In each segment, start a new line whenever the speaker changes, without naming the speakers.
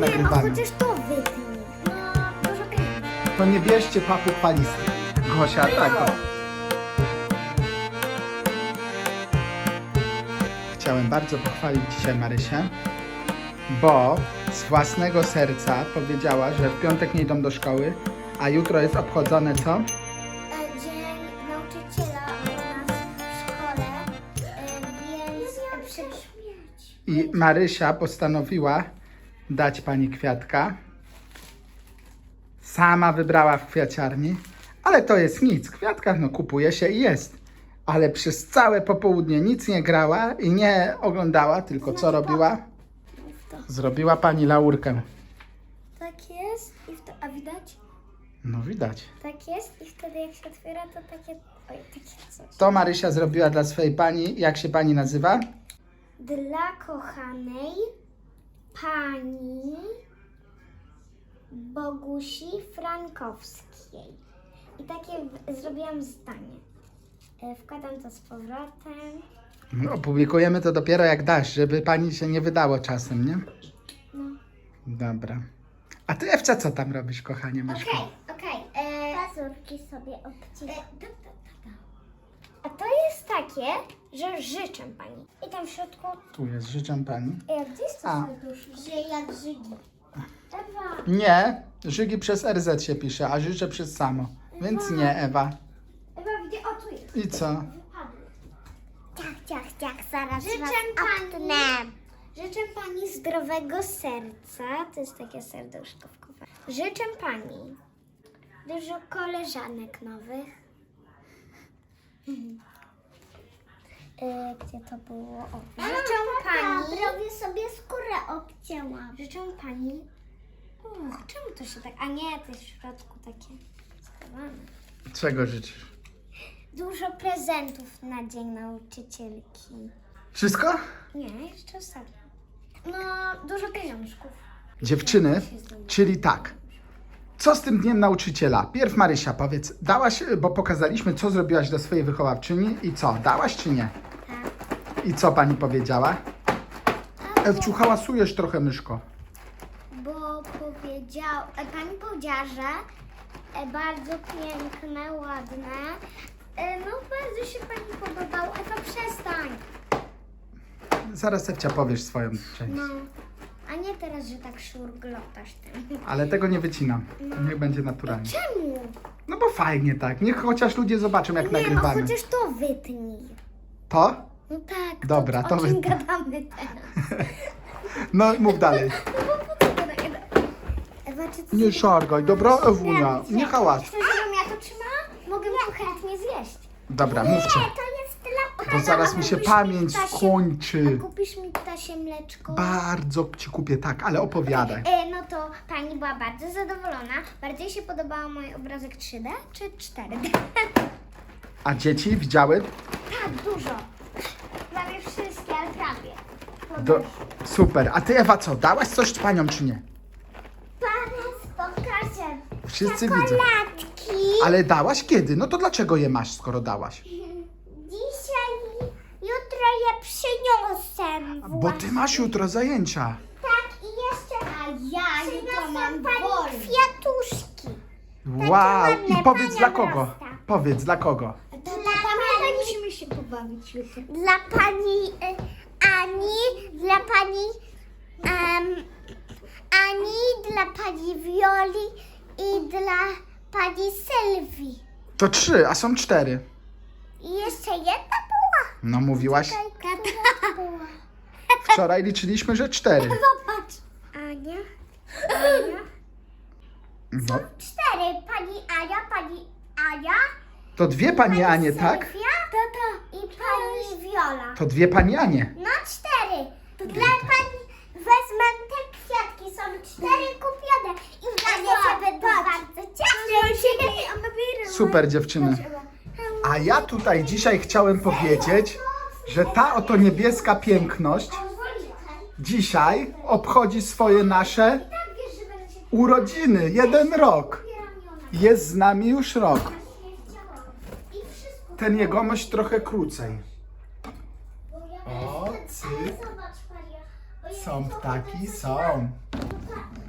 nagrywamy.
chociaż to wytnij. No, dużo pieniędzy.
To nie bierzcie papug falistych. Gosia, tak. O. Chciałem bardzo pochwalić dzisiaj Marysię, bo z własnego serca powiedziała, że w piątek nie idą do szkoły, a jutro jest obchodzone co?
Dzień nauczyciela u nas w szkole, więc
I Marysia postanowiła dać pani kwiatka. Sama wybrała w kwiaciarni, ale to jest nic. Kwiatka no kupuje się i jest. Ale przez całe popołudnie nic nie grała i nie oglądała, tylko co robiła? Zrobiła pani laurkę.
tak jest a widać?
No widać.
Tak jest i wtedy jak się otwiera to takie, takie coś.
To Marysia zrobiła dla swojej pani. Jak się pani nazywa?
Dla kochanej pani Bogusi Frankowskiej. I takie zrobiłam zdanie. Wkładam to z powrotem.
No, opublikujemy to dopiero jak dasz, żeby pani się nie wydało czasem, nie?
No.
Dobra. A ty, Ewcia, co tam robisz, kochanie myszko?
Okej. Pazurki sobie obcinam. A to jest takie, że życzę pani. I tam w środku,
Tu jest, życzę pani.
gdzie jest to
A.
serduszko? Że jak żygi. Ewa.
Nie, Żygi przez RZ się pisze, a życzę przez samo. Więc nie, Ewa.
Ewa, gdzie? O, tu jest.
I co?
Ciach, zaraz Życzę pani zdrowego serca. To jest takie serduszko w kupa. Życzę pani dużo koleżanek nowych. Gdzie to było? O. Życzę pani...
Prawie sobie skórę obcięłam.
Życzę pani... czemu to się tak... A nie, to jest w środku takie schowane.
Czego życzysz?
Dużo prezentów na Dzień Nauczycielki.
Wszystko?
Nie, jeszcze ostatnio. No, dużo pieniążków.
Dziewczyny, czyli tak. Co z tym dniem nauczyciela? Pierw Marysia, powiedz, dałaś, bo pokazaliśmy, co zrobiłaś dla swojej wychowawczyni i co, dałaś czy nie?
Tak.
I co pani powiedziała? Ewciu, hałasujesz trochę, myszko.
Bo pani powiedziała, że bardzo piękne, ładne. No, bardzo się pani podobało. Ewa, przestań.
Zaraz, Ewcia, powiesz swoją część.
No, a nie teraz, że tak szurglotasz tym.
Ale tego nie wycinam. Niech będzie naturalnie.
Czemu?
No bo fajnie tak. Niech chociaż ludzie zobaczą, jak
Nie,
nagrywamy.
chociaż to wytnij.
To?
No tak.
Dobra, to
o czym
wytnij.
gadamy teraz?
No, mów dalej.
No bo po co gadamy? Ewa, czy ty
Nie szargaj, dobra, Ewunia? Nie hałas.
Chcesz, żebym ja to trzymała? Mogę to chętnie zjeść.
Dobra, mówcie.
To jest dla...
Bo zaraz mi się
kupisz
pamięć
ptasie-
skończy.
A kupisz mi ptasie mleczko?
Bardzo ci kupię, tak, ale opowiadaj.
No to pani była bardzo zadowolona. Bardziej się podobał mój obrazek 3D czy 4D?
A dzieci widziały?
Tak, dużo. Prawie wszystkie, ale prawie.
Super. A ty, Ewa, co? Dałaś coś paniom, czy nie?
Zaraz pokażę.
Wszyscy widzą.
Latki.
Ale dałaś kiedy? No to dlaczego je masz, skoro dałaś?
Dzisiaj, jutro je przyniosę.
Bo ty masz jutro zajęcia.
Tak, i jeszcze
A ja jutro mam
pani
wolne.
kwiatuszki.
Wow.
ładne,
I powiedz
pania
dla kogo?
wrasta.
Powiedz dla kogo?
To pamiętaj, musimy się pobawić jutro.
Dla pani Ani, dla pani Ani, dla pani Wioli i dla pani Sylwii.
To 3, a są 4.
I jeszcze jedna była.
No mówiłaś.
Która była?
Wczoraj liczyliśmy, że 4.
Popatrz.
Ania.
No,
4. Pani Ania,
to 2 pani Anie, tak?
Sylwia, i pani Wiola.
To 2 pani Anie.
No 4. Dla pani wezmę te kwiatki, są 4 kupione. I dla mnie się będę bardzo cieszyć.
Super, dziewczyny. A ja tutaj dzisiaj chciałem powiedzieć, że ta oto niebieska piękność dzisiaj obchodzi swoje nasze urodziny. 1 rok. Jest z nami już rok. Ten jegomość trochę krócej. O, cyk. Są ptaki, są.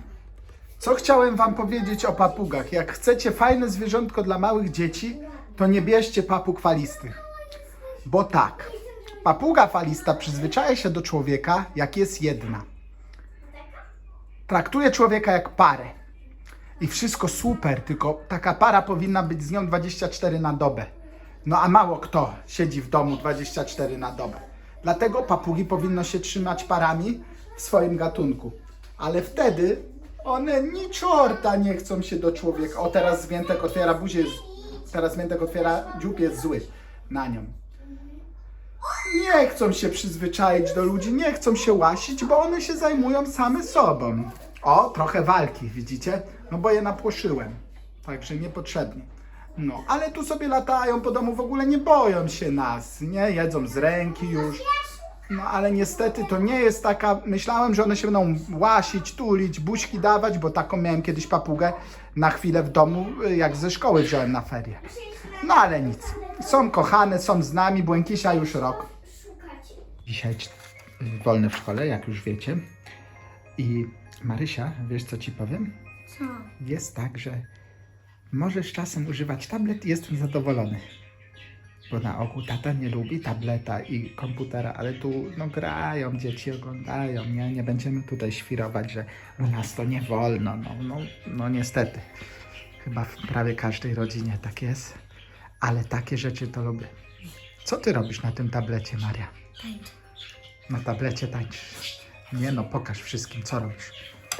Co chciałem wam powiedzieć o papugach? Jak chcecie fajne zwierzątko dla małych dzieci, to nie bierzcie papug falistych. Bo tak, papuga falista przyzwyczaja się do człowieka, jak jest jedna. Traktuje człowieka jak parę. I wszystko super, tylko taka para powinna być z nią 24 na dobę. No a mało kto siedzi w domu 24 na dobę. Dlatego papugi powinno się trzymać parami w swoim gatunku. Ale wtedy one ni czorta nie chcą się do człowieka. O, teraz Zwiętek otwiera buzię, teraz Zwiętek otwiera dziób, jest zły na nią. Nie chcą się przyzwyczaić do ludzi, nie chcą się łasić, bo one się zajmują same sobą. O, trochę walki, widzicie? No bo je napłoszyłem, także niepotrzebnie. No, ale tu sobie latają po domu, w ogóle nie boją się nas, nie? Jedzą z ręki już. No ale niestety to nie jest taka, myślałem, że one się będą łasić, tulić, buźki dawać, bo taką miałem kiedyś papugę na chwilę w domu, jak ze szkoły wziąłem na ferie. No ale nic, są kochane, są z nami, Błękisia już rok. Dzisiaj wolne w szkole, jak już wiecie. I Marysia, wiesz co ci powiem?
Co?
Jest tak, że możesz czasem używać tablet i jestem zadowolony. Bo na ogół tata nie lubi tableta i komputera, ale tu no grają, dzieci oglądają, nie? Nie będziemy tutaj świrować, że u nas to nie wolno, no niestety. Chyba w prawie każdej rodzinie tak jest, ale takie rzeczy to lubię. Co ty robisz na tym tablecie, Maria?
Tańczę.
Na tablecie tańczysz. Nie no, pokaż wszystkim, co robisz.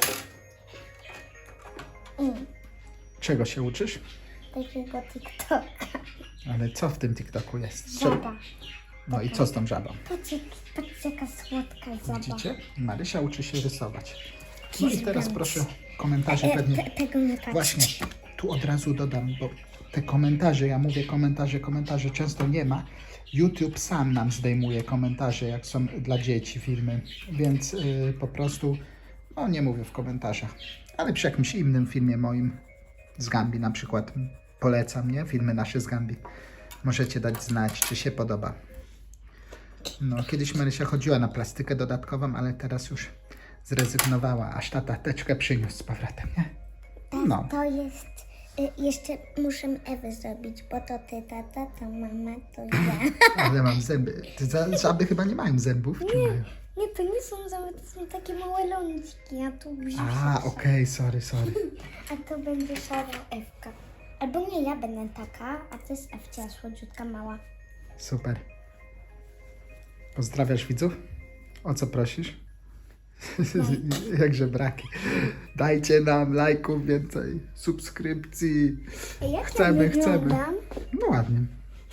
Czego się uczysz?
Takiego TikToka.
Ale co w tym TikToku jest?
Żaba.
No i co z tą żabą?
Patrzcie, jaka słodka żaba.
Widzicie? Marysia uczy się rysować. No i teraz
Kiss
proszę komentarze pewnie.
Tego nie patrzcie.
Właśnie, tu od razu dodam, bo te komentarze, ja mówię komentarze często nie ma. YouTube sam nam zdejmuje komentarze, jak są dla dzieci filmy, więc po prostu, no nie mówię w komentarzach. Ale przy jakimś innym filmie moim z Gambi na przykład polecam, nie? Filmy nasze z Gambi. Możecie dać znać, czy się podoba. No, kiedyś Marysia chodziła na plastykę dodatkową, ale teraz już zrezygnowała, aż tata teczkę przyniósł z powrotem, nie? No.
To jest... Jeszcze muszę Ewę zrobić, bo to ty, tata, to mama, to ja.
Ale mam zęby. Żaby chyba nie mają zębów, czy mają?
Nie, to nie są zęby, to są takie małe lądźki, a tu brzuch.
A, okej, sorry.
A to będzie szara Ewka. Albo nie, ja będę taka, a to jest Ewcia, słodziutka, mała.
Super. Pozdrawiasz widzów? O co prosisz? Jakże braki. Dajcie nam lajków więcej, subskrypcji.
Jak
Chcemy,
ja
chcemy.
wyglądam?
No ładnie.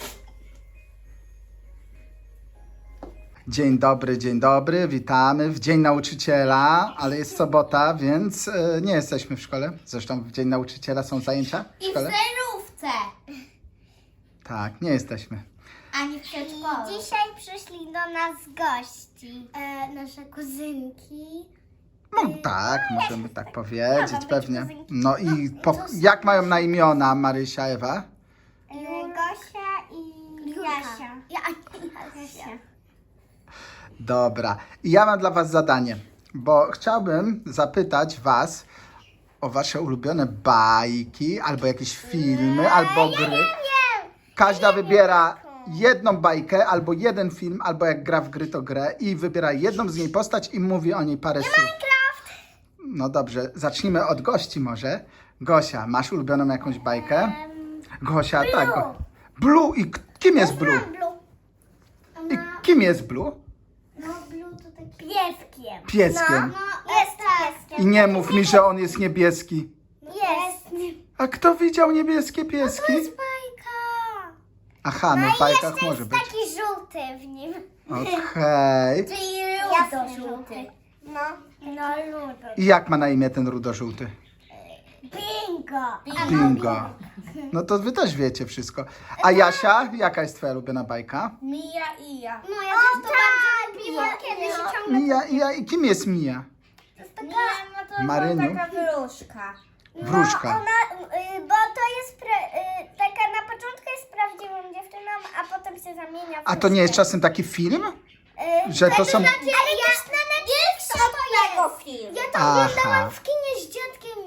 Dzień dobry, witamy w Dzień Nauczyciela, ale jest sobota, więc nie jesteśmy w szkole. Zresztą w Dzień Nauczyciela są zajęcia w
I w
szkole.
zerówce.
Tak, nie jesteśmy.
Ani w przedszkolu. Dzisiaj przyszli do nas gości. Nasze kuzynki.
No tak, możemy tak powiedzieć,
być
pewnie.
kuzynki.
No i jak mają na imiona Marysia, Ewa?
Gosia i Jasia. Jasia.
Dobra. I ja mam dla was zadanie, bo chciałbym zapytać was o wasze ulubione bajki, albo jakieś filmy, albo gry. Każda wybiera jedną bajkę, albo jeden film, albo jak gra w gry, to grę i wybiera jedną z niej postać i mówi o niej parę słów. No dobrze, zacznijmy od gości może. Gosia, masz ulubioną jakąś bajkę? Gosia, tak. Blue i kim jest Blue? I kim jest Blue?
No, Blue to taki pieskiem.
Pieskiem.
No, jest pieskiem.
I nie mów mi, że on jest niebieski.
Jest.
A kto widział niebieskie pieski?
Bajka.
Aha, no w bajkach może być.
Taki żółty w nim.
Okej.
Czyli rudo-żółty. No, ludo.
I jak ma na imię ten rudo-żółty?
Bingo.
Bingo. No to wy też wiecie wszystko. A Jasia, jaka jest twoja ulubiona bajka?
Mija i ja. No ja też to bardzo lubiłam, kiedy się ciągle...
Mija, i kim jest Mija?
Mija, no to
Maryniu?
taka wróżka.
Wróżka.
Bo to jest taka na początku jest prawdziwą dziewczyną, a potem się zamienia w
A to nie jest czasem taki film? Że to są...
Ale jest na Netflixie tego film. Ja to
Aha.
oglądałam w kinie z dziadkiem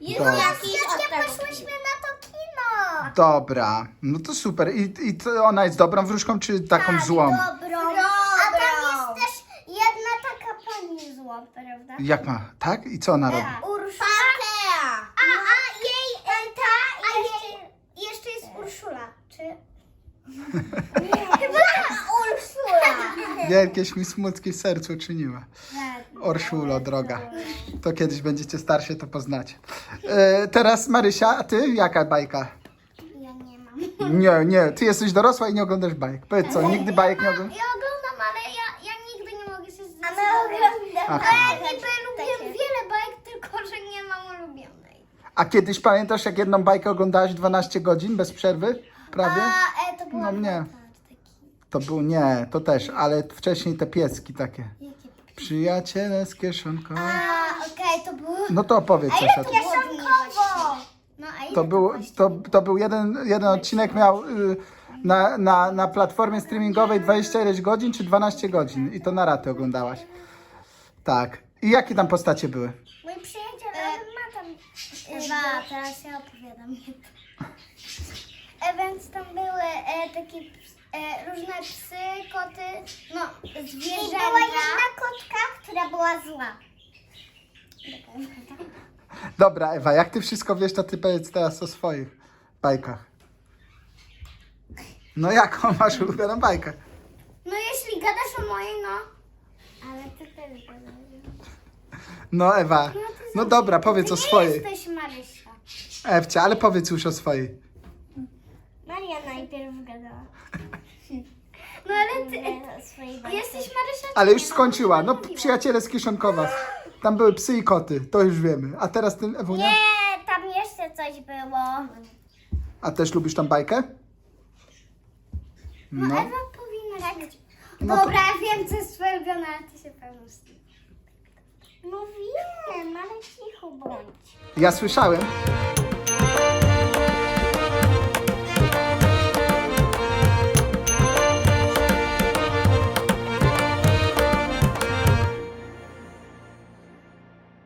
Jest
Dobra.
jakiś
Kwiatkiem poszłyśmy na to kino.
Dobra, no to super. I to ona jest dobrą wróżką, czy taką złą?
Dobrą. A tam jest też jedna taka pani zła, prawda?
Jak ma? Tak? I co ona robi?
Urszula. Jeszcze jest Urszula. Czy? Chyba Urszula.
Jakieś mi smutki w sercu uczyniła. Orszulo, droga. To kiedyś będziecie starsi, to poznacie. Teraz Marysia, a ty? Jaka bajka?
Ja nie mam.
Nie, ty jesteś dorosła i nie oglądasz bajek. Powiedz co, nigdy bajek nie oglądasz?
Ja oglądam, ale ja nigdy nie mogę się
A my
zdecydować.
oglądamy.
Aha.
Ja niby lubię wiele bajek, tylko że nie mam ulubionej.
A kiedyś pamiętasz, jak jedną bajkę oglądałaś 12 godzin bez przerwy? Prawie?
To była
No mnie.
taki.
To był, nie, to też, ale wcześniej te pieski takie. Przyjaciele z kieszonką.
Okej, to było...
No to opowiedz coś o tym.
Kieszonkowo.
No, a ile
To był jeden odcinek miał na platformie streamingowej 20 ileś godzin czy 12 godzin i to na raty oglądałaś. Tak. I jakie tam postacie były?
Mój przyjaciel, ale ma tam...
Ewa, teraz ja opowiadam. Więc tam były takie różne psy, koty, no
I była
zwierzęta.
jedna kotka, która była zła.
Dobra, Ewa, jak ty wszystko wiesz, to ty powiedz teraz o swoich bajkach. No jaką masz ulubioną bajkę?
No jeśli gadasz o mojej, no.
Ale ty też gadasz.
No Ewa, no dobra, powiedz o
Ty nie
swojej.
jesteś Marysia.
Ewcia, ale powiedz już o swojej.
Maria najpierw gadała.
No ale ty
Swojej
jesteś Marysia.
Ale
czy
już
nie?
skończyła. No
mówiła.
przyjaciele z Kieszonkowa. Tam były psy i koty, to już wiemy. A teraz ty, Ewunia?
Nie, tam jeszcze coś było.
A też lubisz tą bajkę?
No
No.
Ewa powinna wiedzieć.
No to-
Dobra, wiem co jest twoje ulubione, ale ty się pewnie z tym.
No wiem, ale cicho bądź.
Ja słyszałem,